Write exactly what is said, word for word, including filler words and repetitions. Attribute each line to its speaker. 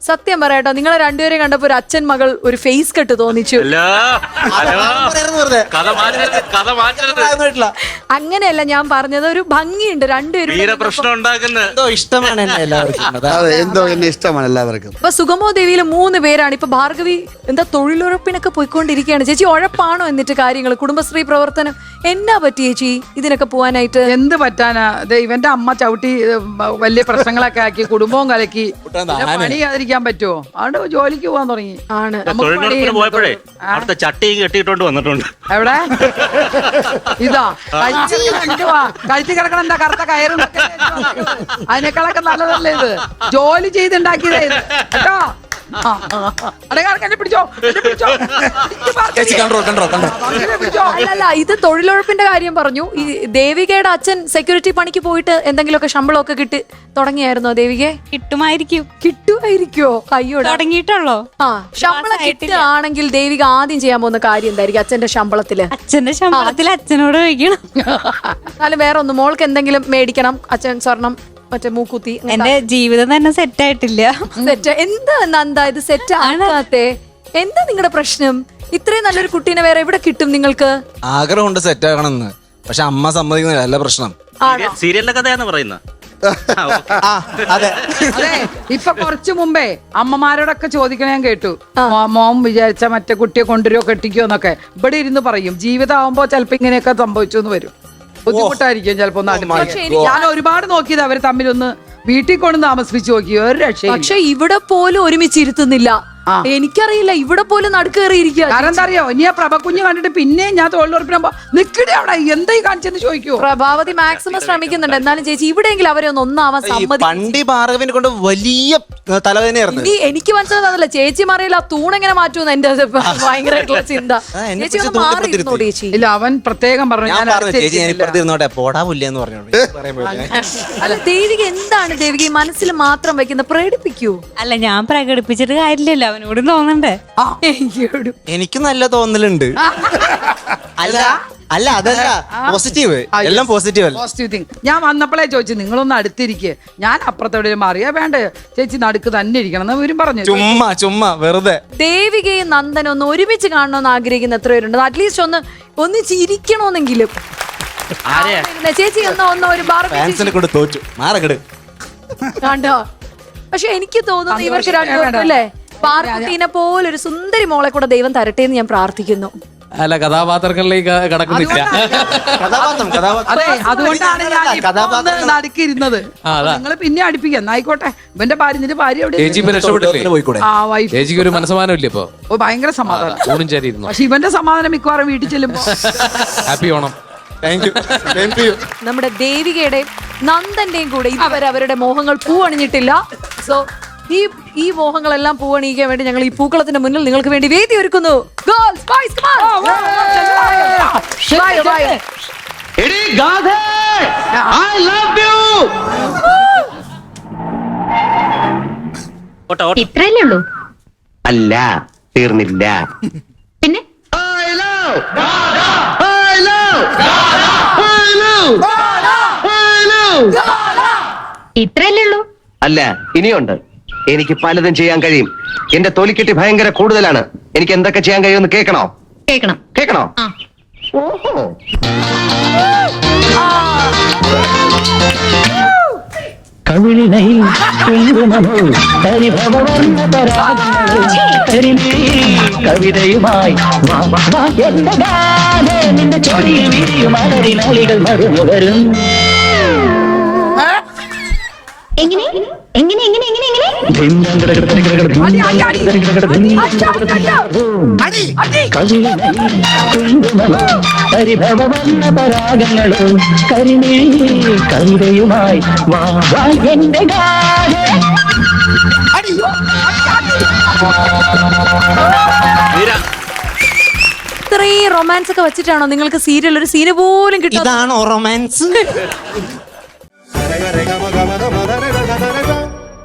Speaker 1: സത്യം പറയാട്ടോ, നിങ്ങളെ രണ്ടുപേരെ കണ്ടപ്പോ ഒരു അച്ഛൻ മകൾ ഒരു ഫേസ് കെട്ട് തോന്നിച്ചു. അങ്ങനെയല്ല ഞാൻ പറഞ്ഞത്, ഒരു ഭംഗിയുണ്ട് രണ്ടുപേരും.
Speaker 2: പ്രശ്നം ഉണ്ടാക്കുന്നത്
Speaker 3: ഇഷ്ടമാണ്
Speaker 4: എന്തോ എന്നെ ഇഷ്ടമാണ് എല്ലാവർക്കും.
Speaker 1: ഇപ്പൊ സുഗമോ ദേവിയില് മൂന്ന് പേരാണ്. ഇപ്പൊ ഭാർഗവി എന്താ തൊഴിലുറപ്പിനൊക്കെ പോയിക്കൊണ്ടിരിക്കുകയാണ്. ചേച്ചി ഉഴപ്പാണോ എന്നിട്ട് കാര്യങ്ങൾ, കുടുംബശ്രീ പ്രവർത്തനം എന്നാ പറ്റി ചേച്ചി ഇതിനൊക്കെ പോവാനായിട്ട്?
Speaker 5: എന്ത് പറ്റാനാ, ഇവന്റെ അമ്മ ചവിട്ടി വലിയ പ്രശ്നങ്ങളൊക്കെ ആക്കി കുടുംബവും കലക്കി. പണി ചെയ്യാതിരിക്കാൻ പറ്റുമോ? അവിടെ ജോലിക്ക് പോകാൻ തുടങ്ങി.
Speaker 1: ആണ്
Speaker 2: പോയപ്പോഴേ അടുത്ത ചട്ടി കെട്ടിയിട്ടോണ്ട് വന്നിട്ടുണ്ട്.
Speaker 5: എവിടെ ഇതാ കഴിച്ചു കിടക്കണം, എന്താ കറുത്ത കയറും, അതിനേക്കാളൊക്കെ നല്ലതല്ലേ ഇത്. ജോലി ചെയ്തുണ്ടാക്കിയതേ ഇത് കേട്ടോ.
Speaker 1: അല്ലല്ല, ഇത് തൊഴിലുറപ്പിന്റെ കാര്യം പറഞ്ഞു. ഈ ദേവികയുടെ അച്ഛൻ സെക്യൂരിറ്റി പണിക്ക് പോയിട്ട് എന്തെങ്കിലുമൊക്കെ ശമ്പളമൊക്കെ കിട്ടി തുടങ്ങിയായിരുന്നോ ദേവികെ?
Speaker 6: കിട്ടുമായിരിക്കും.
Speaker 1: കിട്ടുമായിരിക്കോ? അയ്യോ,
Speaker 6: തുടങ്ങിയിട്ടുള്ളോ?
Speaker 1: ആ, ശമ്പളം കിട്ടുകയാണെങ്കിൽ ദേവിക ആദ്യം ചെയ്യാൻ പോകുന്ന കാര്യം എന്തായിരിക്കും അച്ഛന്റെ ശമ്പളത്തില്?
Speaker 6: അച്ഛന്റെ ശമ്പളത്തിൽ അച്ഛനോട് ചോദിക്കണം.
Speaker 1: എന്നാലും വേറെ ഒന്ന്, മോൾക്ക് എന്തെങ്കിലും മേടിക്കണം. അച്ഛൻ സ്വർണം, മറ്റേ മൂക്കുത്തി.
Speaker 6: എന്റെ ജീവിതം തന്നെ സെറ്റ് ആയിട്ടില്ല.
Speaker 1: സെറ്റ് എന്താ നന്ദ ഇത് സെറ്റ് ആകാത്തെ? എന്താ നിങ്ങളുടെ പ്രശ്നം? ഇത്രയും നല്ലൊരു കുട്ടീനെ വേറെ എവിടെ കിട്ടും നിങ്ങൾക്ക്?
Speaker 3: ആഗ്രഹമുണ്ട് സെറ്റ് ആകണമെന്ന്, പക്ഷെ അമ്മ സമ്മതിക്കുന്നില്ല. അല്ല പ്രശ്നം.
Speaker 2: സീരിയലിന്റെ കഥയാന്ന് പറയുന്നത്.
Speaker 3: അതെ
Speaker 5: അതെ, ഇപ്പൊ കുറച്ചു മുമ്പേ അമ്മമാരോടൊക്കെ ചോദിക്കണ ഞാൻ കേട്ടു. മോൻ വിചാരിച്ച മറ്റേ കുട്ടിയെ കൊണ്ടുവരുമോ കെട്ടിക്കോ എന്നൊക്കെ ഇവിടെ ഇരുന്ന് പറയും. ജീവിതം ആവുമ്പോ ചിലപ്പോ ഇങ്ങനെയൊക്കെ സംഭവിച്ചു എന്ന് വരും. ബുദ്ധിമുട്ടായിരിക്കും ചിലപ്പോ. ഞാൻ ഒരുപാട് നോക്കിയത് അവര് തമ്മിലൊന്ന് വീട്ടിൽ കൊണ്ട് താമസിപ്പിച്ചു നോക്കി, ഒരു രക്ഷ.
Speaker 1: പക്ഷെ ഇവിടെ പോലും ഒരുമിച്ചിരുത്തുന്നില്ല. എനിക്കറിയില്ല, ഇവിടെ പോലും നടുക്കേറിയിരിക്കുക.
Speaker 5: കാരണം എന്താ അറിയോ, ഇനി ആ പ്രഭക്കുഞ്ഞ് കണ്ടിട്ട് പിന്നെ ഞാൻ തൊഴിലുറപ്പിനാകുമ്പോ നിക്കടെ അവിടെ എന്തായി കാണിച്ചെന്ന് ചോദിക്കൂ.
Speaker 1: പ്രഭാവതി മാക്സിമം ശ്രമിക്കുന്നുണ്ട്. എന്നാലും ചേച്ചി ഇവിടെയെങ്കിലും അവരെ ഒന്ന് ഒന്നാവാൻ സമ്മതി.
Speaker 3: പണ്ടി ഭാർഗവിനെ കൊണ്ട് വലിയ തലവേദനയായിരുന്നു.
Speaker 1: ഇനി എനിക്ക് മനസ്സിലാകുന്നില്ല ചേച്ചി മാറിയില്ല, ആ തൂണെങ്ങനെ മാറ്റുമെന്ന് എന്റെ ഭയങ്കരമായിട്ടുള്ള ചിന്ത. ചേച്ചി ഒന്ന് മാറിയിരുന്നോ ചേച്ചി?
Speaker 5: ഇല്ല, അവൻ പ്രത്യേകം പറഞ്ഞു ഞാൻ
Speaker 3: പോടാവില്ലെന്ന് പറഞ്ഞു.
Speaker 1: അല്ല ദേവിക എന്താണ് ദേവിക ഈ മനസ്സിൽ മാത്രം വെക്കുന്നത്? പ്രകടിപ്പിക്കൂ.
Speaker 6: അല്ല, ഞാൻ പ്രകടിപ്പിച്ചിട്ട് കാര്യമില്ലല്ലോ, അവനോട് തോന്നണ്ടേ?
Speaker 3: എനിക്ക് നല്ല തോന്നലുണ്ട്. അല്ല അല്ല അതല്ല പോസിറ്റീവ്, എല്ലാം പോസിറ്റീവ് അല്ല.
Speaker 5: Positive thing. ഞാൻ വന്നപ്പോഴേ ചോദിച്ചു നിങ്ങളൊന്ന് അടുത്തിരിക്കുക, ഞാൻ അപ്പുറത്തോടെ മാറിയാ വേണ്ട ചേച്ചി നടുക്ക് തന്നെ ഇരിക്കണം എന്ന് ഇവരും പറഞ്ഞു.
Speaker 3: ചുമ്മാ ചുമ്മാ വെറുതെ.
Speaker 1: ദേവികയും നന്ദനും ഒന്ന് ഒരുമിച്ച് കാണണമെന്ന് ആഗ്രഹിക്കുന്ന എത്ര പേരുണ്ട്? അറ്റ്ലീസ്റ്റ് ഒന്ന് ഒന്ന് ചിരിക്കണമെന്നെങ്കിലും. ചേച്ചി ഒന്ന് ഒന്ന് ഒരു
Speaker 3: ഫാൻസിനെ കൊണ്ട് തോറ്റു മാറകട്
Speaker 1: കണ്ടോ? പക്ഷെ എനിക്ക് തോന്നുന്നു ഇവർക്ക് രണ്ടുപേർക്കും അല്ലേ പാർക്കുട്ടീനെ പോലെ ഒരു സുന്ദരി മോളെ കൂടെ ദൈവം തരട്ടെ എന്ന് ഞാൻ പ്രാർത്ഥിക്കുന്നു.
Speaker 7: അല്ല, കഥാപാത്രങ്ങളിലേക്ക് കടക്കുന്നില്ല.
Speaker 5: അതെ, അതുകൊണ്ടാണ് ഞാൻ നടുക്കിരുന്നത്. നിങ്ങൾ പിന്നെ അടുപ്പിക്കാം. ആയിക്കോട്ടെ, ഇവന്റെ ഭാര്യ നിന്റെ ഭാര്യ എവിടെ?
Speaker 7: ചേച്ചിക്ക് ഒരു മനസ്സമാനം ഇല്ല ഇപ്പൊ?
Speaker 5: ഭയങ്കര സമാധാനം.
Speaker 7: പക്ഷെ
Speaker 5: ഇവന്റെ സമാധാനം മിക്കവാറും വീട്ടിൽ ചെല്ലുമ്പോ.
Speaker 7: ഹാപ്പി ഓണം.
Speaker 1: നമ്മുടെ ദേവികയുടെയും നന്ദന്റെയും കൂടെ ഇതുവരെ അവരുടെ മോഹങ്ങൾ പൂവണിഞ്ഞിട്ടില്ല. സോ ഈ ഈ മോഹങ്ങളെല്ലാം പൂവണിയിക്കാൻ വേണ്ടി ഞങ്ങൾ ഈ പൂക്കളത്തിന്റെ മുന്നിൽ നിങ്ങൾക്ക് വേണ്ടി വേദി ഒരുക്കുന്നു.
Speaker 8: ഇത്രയല്ലേ ഉള്ളൂ?
Speaker 9: അല്ല, തീർന്നില്ല.
Speaker 8: പിന്നെ ഇത്രയല്ലേ ഉള്ളൂ?
Speaker 9: അല്ല, ഇനിയുണ്ട്. എനിക്ക് പലതും ചെയ്യാൻ കഴിയും. എന്റെ തൊലിക്കെട്ടി ഭയങ്കര കൂടുതലാണ്. എനിക്ക് എന്തൊക്കെ ചെയ്യാൻ കഴിയുമെന്ന് കേൾക്കണോ?
Speaker 8: കേൾക്കണം.
Speaker 9: കേൾക്കണോ? ഓഹോ,
Speaker 10: കവിതയുമായി നിന്റെ ചോടിയിൽ വീരിയും അലരിനാളികൾ മറുമുകരും.
Speaker 8: എങ്ങനെ എങ്ങനെ എങ്ങനെ എങ്ങനെ
Speaker 10: പരിഭവന്ന പരാഗങ്ങളും കരിമേ കവിതയുമായി വാ എന്റെ
Speaker 1: ഇത്രയും റൊമാൻസ് ഒക്കെ വെച്ചിട്ടാണോ നിങ്ങൾക്ക് സീരിയൽ ഒരു സീന് പോലും കിട്ടും?
Speaker 3: ഇതാണോ റൊമാൻസ്?